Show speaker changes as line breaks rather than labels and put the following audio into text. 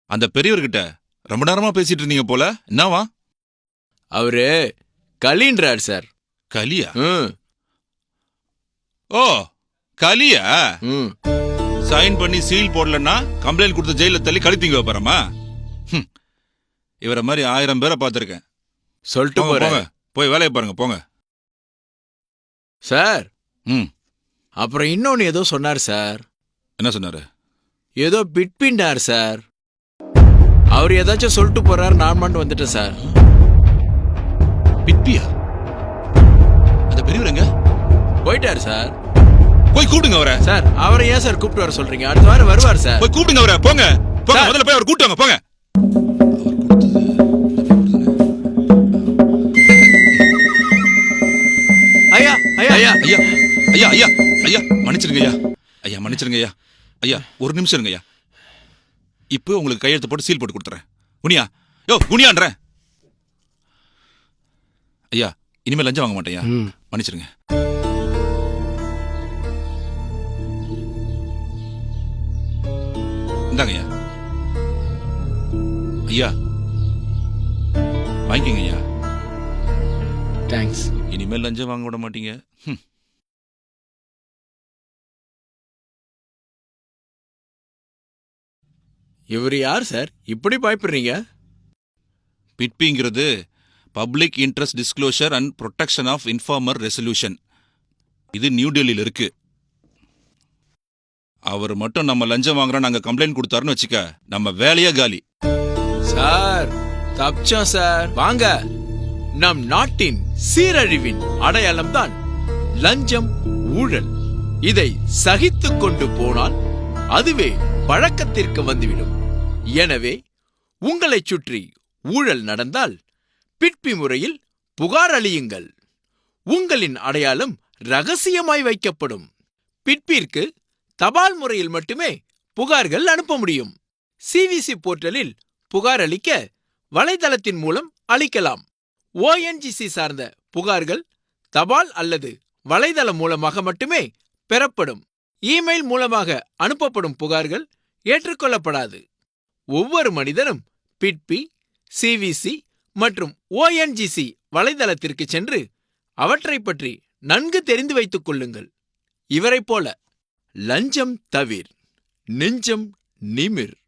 அந்த பெரியவர்கிட்ட ரொம்ப நேரமா பேசிட்டு இருந்தீங்க போல, என்னவா?
அவரு கலின்றார் சார்.
கலியா?
ம்
ஓ, கலியா?
ம்
சைன் பண்ணி சீல் போடலன்னா கம்ப்ளைண்ட் கொடுத்து ஜெயில தள்ளி கழித்தீங்க வைப்பாரமா? இவரை மாதிரி 1000 பேரை பார்த்துருக்கேன்.
சொல்லிட்டு
போங்க,
போறேன்
போங்க, போய் வேலையை பாருங்க, போங்க.
சார்.
ம்
அப்புறம் இன்னொன்னு ஏதோ சொன்னார் சார்.
என்ன சொன்னாரு?
ஏதோ பிட்பிண்டார் சார். அவர் ஏதாச்சும் சொல்லிட்டு போறாரு, நான் மட்டும் வந்துட்டேன் சார்.
பிட்பியா? அந்த பெரியவர் எங்க?
போயிட்டார் சார்.
போய் கூப்பிடுங்க அவரை.
சார் அவரை ஏன் சார் கூப்பிட்டு வர சொல்றீங்க? அடுத்த வாரம் வருவார் சார்.
போய் கூப்பிடுங்க அவரை, போங்க போங்க,
சார்.
முதல்ல போய் அவர் கூப்பிட்டு வாங்க, போங்க.
ஐயா ஐயா ஐயா
ஐயா ஐயா ஐயா ஐயா மன்னிச்சிருங்க ஐயா. ஐயா மன்னிச்சிருங்க ஐயா. ஐயா ஒரு நிமிஷம் இருங்க ஐயா. இப்போ உங்களுக்கு கையெழுத்து போட்டு சீல் போட்டு கொடுத்துறேன். குனியா, யோ குனியான்றேன். ஐயா இனிமேல் லஞ்சம் வாங்க மாட்டேயா, மன்னிச்சிருங்க. இந்தாங்க ஐயா. ஐயா வாங்கிக்கங்க ஐயா.
தேங்க்ஸ்.
இனிமேல் லஞ்சம் வாங்க விட மாட்டீங்க.
இவர் யார் சார், இப்படி பயப்படுறீங்க?
பிட்பிங்கிறது public interest disclosure and protection of informer resolution. இது நியூ டெல்லியில் இருக்கு. அவர் மட்டும் நம்ம லஞ்சம் வாங்குறோம் நாங்க கம்ப்ளைண்ட் கொடுத்தாருன்னு வச்சுக்க, நம்ம வேலையே காலி.
சார் தப்பிச்சோம் சார். வாங்க. நம் நாட்டின் சீரழிவின் அடையாளம் தான் லஞ்சம், ஊழல். இதை சகித்துக் கொண்டு போனால் அதுவே பழக்கத்திற்கு வந்துவிடும். எனவே உங்களைச் சுற்றி ஊழல் நடந்தால் பிட்பி முறையில் புகார் அளியுங்கள். உங்களின் அடையாளம் ரகசியமாய் வைக்கப்படும். பிட்பிற்கு தபால் முறையில் மட்டுமே புகார்கள் அனுப்ப முடியும். சிவிசி போர்ட்டலில் புகார் அளிக்க வலைதளத்தின் மூலம் அளிக்கலாம். ONGC சார்ந்த புகார்கள் தபால் அல்லது வலைதளம் மூலமாக மட்டுமே பெறப்படும். இமெயில் மூலமாக அனுப்பப்படும் புகார்கள் ஏற்றுக்கொள்ளப்படாது. ஒவ்வொரு மனிதனும் பிட்பி, சிவிசி மற்றும் ONGC வலைதளத்திற்கு சென்று அவற்றை பற்றி நன்கு தெரிந்து வைத்துக் கொள்ளுங்கள். இவரைப் போல லஞ்சம் தவிர், நெஞ்சம் நிமிர்.